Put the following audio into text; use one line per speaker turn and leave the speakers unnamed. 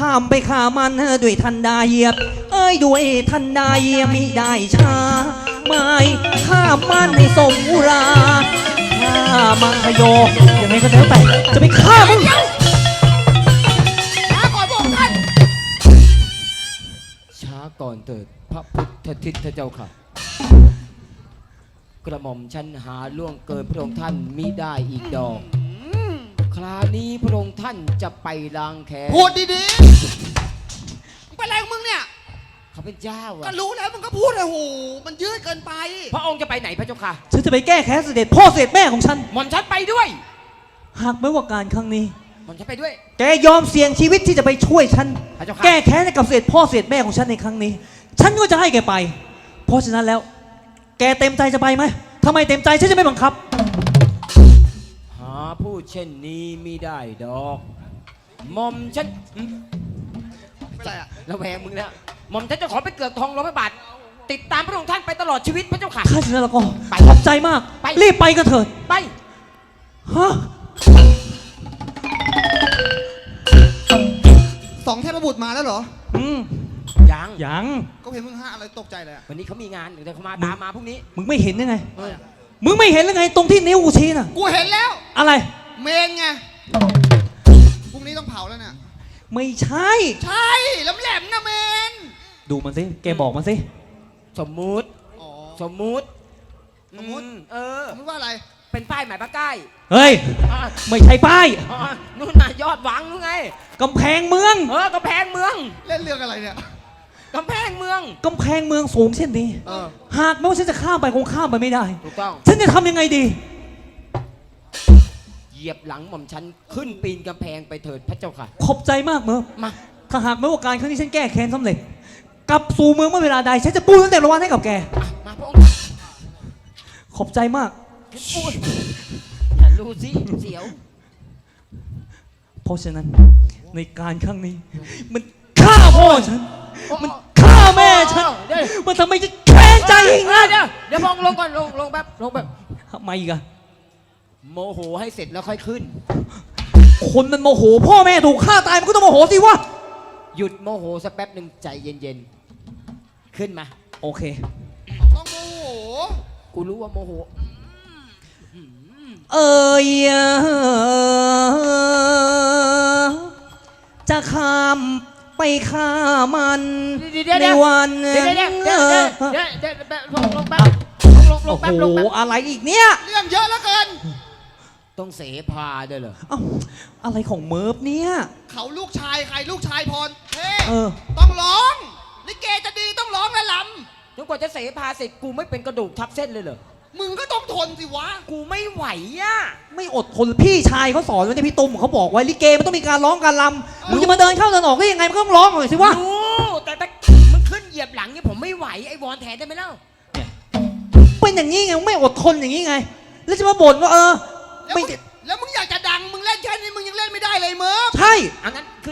ามไปฆ่ามันด้วยทันใดด้วยทันใดมิได้ช้าไม่ฆ่ามันให้สมอุราฆ่ามังคโยยังไงก็แล้วแต่จะไปฆ่ามึง
ช้าก่อนพวกท่าน
ช้าก่อนเถิดพระพุทธทิศเจ้าค่ะกระหม่อมฉันหาล่วงเกินพระองค์ท่านมิได้อีกดอกคราวนี้พระองค์ท่านจะไปล้างแค้น
พูดดีๆเป็นไรของมึงเนี่ย
เขาเป็นเจ้าอะ
ก็รู้แล้วมึงก็พูดเลยโหมันยืดเกินไป
พระองค์จะไปไหนพระเจ้าค่ะ
ฉันจะไปแก้แค้นเสด็จพ่อเสด็จแม่ของฉัน
หม่อมฉันไปด้วย
หากไม่ว่าการครั้งนี้
หม่อมฉันไปด้วย
แกยอมเสี่ยงชีวิตที่จะไปช่วยฉันแก้แค้นให้กับเสด็จพ่อเสด็จแม่ของฉันในครั้งนี้ฉันก็จะให้แกไปเพราะฉะนั้นแล้วแกเต็มใจจะไปไหมทำไมเต็มใจฉันจะไม่บังคับ
หาพูดเช่นนี้มิได้ดอกหม่อมฉันระแวงมึงแล้วหม่อมฉันจะขอไปเกือกทองร้อยบาทติดตามพระองค์ท่านไปตลอดชีวิตพระเจ้าค่ะ
ถ้าฉะนั้นแล้วก็ขอบใจมากรีบไปกันเถิด
ไป
ฮะ
สองเทพบุตรมาแล้วเหรอ
ยัง
ก็เห็นมึงห้าอะไรตกใจเลย
วันนี้เขามีงานเดี๋ยวเขามาตามมาพรุ่งนี้
มึงไม่เห็นยังไงมึงไม่เห็นหรือไงตรงที่นิ้วกูชี้น่ะ
กูเห็นแล้ว
อะไร
เมนไงพรุ่งนี้ต้องเผาแล้วเนี่ย
ไม่ใช่
ใช่แหลมๆนะเมน
ดูมันสิแกบอกมันสิ
สมมุติสมมุติ
ว่าอะไร
เป็นป้ายหมายปากใต้
เฮ้ยไม่ใช่ป้าย
นู่นน่ะยอดหวังนู่นไง
กำแพงเมือง
กำแพงเมือง
เล่นเรื่องอะไรเนี่ย
กำแพงเมือง
สูงเช่นนี้หากแม้ว่าฉันจะข้ามไปคงข้ามไปไม่ได้
ถูกต้อง
ฉันจะทำยังไงดี
เหยียบหลังหม่อมฉันขึ้นปีนกำแพงไปเถิดพระเจ้าค่ะ
ขอบใจมากเมื่อ
มา
ถ้าหากแม้ว่าการครั้งนี้ฉันแก้แค้นสำเร็จกลับสู่เมืองเมื่อเวลาใดฉันจะปูตั้งแต่ละวันให้กับแก
มาพระองค์
ขอบใจมาก
อย่ารู้สิเสียว
เพราะฉะนั้นในการครั้งนี้มันฆ่าพ่อฉันมันฆ่าแม่ฉันมันทำไมจะแค้นใจอีกนะ
เดี๋ยวพองลงก่อนลงแบบ
ทำไมอีกอะ
โมโหให้เสร็จแล้วค่อยขึ้น
คนมันโมโหพ่อแม่ถูกฆ่าตายมันก็ต้องโมโหสิวะ
หยุดโมโหสักแป๊บหนึ่งใจเย็นๆขึ้นมา
โอเค
ต้องโมโห
กูรู้ว่าโมโห
จะข้ามไปฆ่ามันในวันโอ้โหอะไรอีกเนี่ย
เรื่องเยอะแล้วเกิน
ต้องเสพาด้วยเหรอ
อะไรของเมิร์ฟเนี่ย
เขาลูกชายใครลูกชายพรเท่
ต้
องร้องลิเกจะดีต้องร้องและล
ำจนกว่าจะเสพาเสร็จกูไม่เป็นกระดูกทับเส้นเลยเหรอ
มึงก็ต้องทนสิวะ
กูไม่ไหวอ่ะ
ไม่อดทนพี่ชายเขาสอนไว้ในพี่ตุ้มเขาบอกไว้ลิเกมันต้องมีการร้องการรำมึงจะมาเดินเข้าเดินออกได้ยังไงมันก็ต้องร้องหน่อยสิวะ
แต่มึงขึ้นเหยียบหลังเนี่ยผมไม่ไหวไอ้วอนแทนได้ไหมเล่า
เป็นอย่างนี้ไงไม่อดทนอย่างนี้ไงแล้วจะมาบ่นว่าไม่
แล้วมึงอยากจะดังมึงเล่นแค่นี้มึงยังเล่นไม่ได้เลยเมิร์ฟ
ใช่
อันนั้น